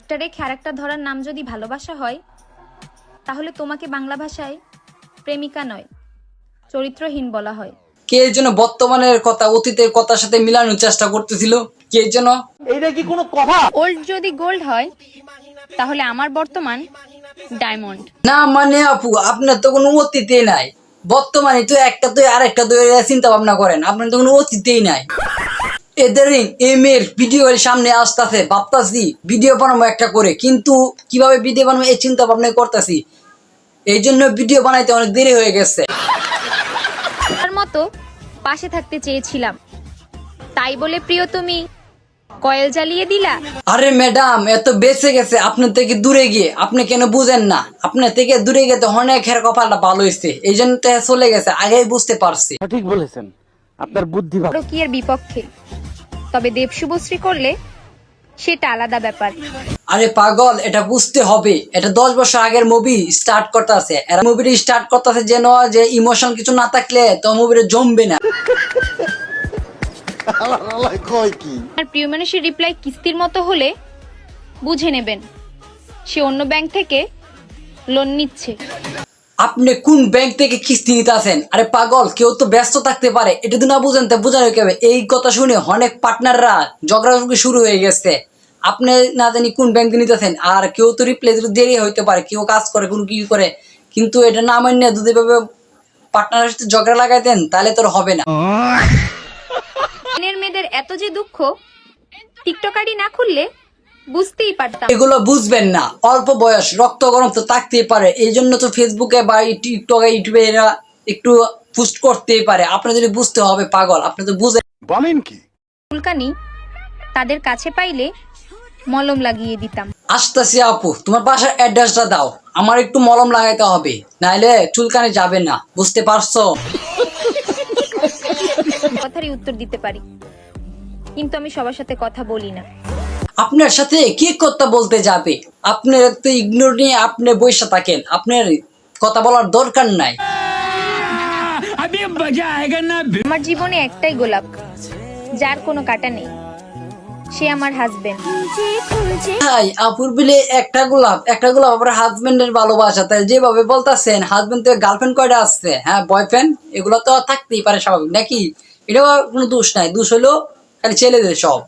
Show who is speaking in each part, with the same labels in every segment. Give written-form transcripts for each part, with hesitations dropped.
Speaker 1: ক্যারেক্টারে character ধরার নাম যদি ভালোবাসা হয়, তাহলে তোমাকে বাংলা ভাষায় প্রেমিকা নয়, চরিত্রহীন বলা হয়।
Speaker 2: কে যেন বর্তমানের কথা অতীতের কথার সাথে মিলানোর চেষ্টা করতেছিল, কে যেন।
Speaker 3: এইটা কি কোনো কথা?
Speaker 1: ওল্ড যদি গোল্ড হয়, তাহলে আমার বর্তমান ডায়মন্ড।
Speaker 2: না মানে আপু, আপনার তো কোনো অতীতেই নাই, বর্তমানে তো একটা তো আরেকটা তো চিন্তা ভাবনা করেন, আপনার তো কোনো অতীতেই নাই। এদের এই মেয়ের ভিডিও সামনে আসতেছে, ভাবতাছি ভিডিও বানাবো একটা করে, কিন্তু কিভাবে ভিডিও বানাবো এই চিন্তা ভাবনা করতেছি, এই জন্য ভিডিও বানাইতে অনেক দেরি হয়ে গেছে।
Speaker 1: তার মতো পাশে থাকতে চেয়েছিলাম, তাই বলে প্রিয় তুমি কয়েল জ্বালিয়ে দিলা।
Speaker 2: আরে ম্যাডাম, এত বেঁচে গেছে আপনার থেকে দূরে গিয়ে, আপনি কেন বুঝেন না? আপনার থেকে দূরে গিয়ে তো অনেক হের কপালটা ভালো হয়েছে, এই জন্য তো চলে গেছে, আগেই বুঝতে পারছি।
Speaker 3: ঠিক বলেছেন, আপনার বুদ্ধি ভালো।
Speaker 1: কি এর বিপক্ষে, তবে দেব শুভশ্রী করলে সেটা আলাদা ব্যাপার।
Speaker 2: আরে পাগল, এটা বুঝতে হবে, এটা 10 বছর আগের মুভি স্টার্ট করতেছে, এরা মুভিটা স্টার্ট করতেছে যেন যে ইমোশন কিছু না থাকলে তো মুভিটা জমবে না।
Speaker 1: আর প্রিয় মানুষের রিপ্লাই কিস্তির মতো হলে বুঝে নেবেন সে অন্য ব্যাংক থেকে লোন নিচ্ছে।
Speaker 2: আপনি কোন ব্যাংক থেকে কিস্তি নিতে আসেন? আরে পাগল, কেউ তো ব্যস্ত থাকতে পারে, এটা তো না বুঝেন, তা বোঝানো কেবে? এই কথা শুনে অনেক পার্টনাররা ঝগড়াঝগড়ি শুরু হয়ে গেছে। আপনি না জানি কোন ব্যাংক নিতে আসেন, আর কেউ তো রিপ্লাই দিতে দেরি হইতে পারে, কেউ কাজ করে, কোনো কি করে, কিন্তু এটা না মান্য যদি ভাবে পার্টনারের সাথে ঝগড়া লাগাই দেন, তাহলে তোর হবে না।
Speaker 1: মেয়েদের এত যে দুঃখ, টিকটকারি না খুললে বুঝতেই পারতাম।
Speaker 2: এগুলো বুঝবেন না, অল্প বয়স, রক্ত গরম তো থাকতেই পারে, এই জন্য তো ফেসবুকে বা টিকটকে ইউটিউবে এরা একটু পোস্ট করতেই পারে। আপনি যদি বুঝতে হবে পাগল, আপনি তো বুঝেন।
Speaker 3: বলেন কি?
Speaker 1: চুলকানি তাদের কাছে পাইলে মলম লাগিয়ে দিতাম।
Speaker 2: আসতেছি আপু, তোমার বাসার অ্যাড্রেসটা দাও, আমার একটু মলম লাগাইতে হবে, নাইলে চুলকানি যাবে না, বুঝতে পারছো?
Speaker 1: কথারই উত্তর দিতে পারি, কিন্তু আমি সবার সাথে কথা বলি না।
Speaker 2: আপনার সাথে কি কথা বলতে যাবে? আপনার তো ইগনোর নিয়ে আপনি বসে থাকেন, আপনার কথা বলার দরকার নাই।
Speaker 1: আমার জীবনে একটাই গোলাপ, যার কোনো কাটা নেই, সে আমার হাজবেন্ড।
Speaker 2: ভাই, আপুর বিলে একটা গোলাপ আপনার হাজবেন্ডের ভালোবাসা, তাই যেভাবে বলতেছেন, হাজবেন্ড তো গার্লফ্রেন্ড কয়টা আসছে? হ্যাঁ, বয়ফ্রেন্ড, এগুলো তো থাকতেই পারে, স্বাভাবিক নাকি? এটা কোনো দোষ নাই, দোষ হলো খালি ছেলেদের সব।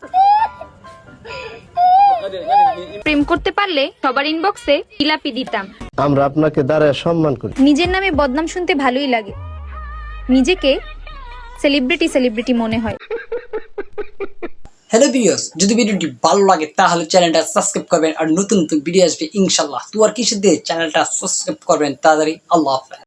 Speaker 1: প্রেম করতে পারলে সবার ইনবক্সে জিলাপি দিতাম।
Speaker 4: আমরা আপনাকে দাঁড়ায় সম্মান করি।
Speaker 1: নিজের নামে বদনাম শুনতে ভালোই লাগে, নিজেকে সেলিব্রিটি মনে হয়।
Speaker 2: হ্যালো ভিউয়ার্স, যদি ভিডিওটি ভালো লাগে তাহলে চ্যানেলটা সাবস্ক্রাইব করবেন, আর নতুন নতুন ভিডিও আসবে ইনশাআল্লাহ। তো আর কিছু দিয়ে চ্যানেলটা সাবস্ক্রাইব করবেন তাড়াতাড়ি। আল্লাহ হাফেজ।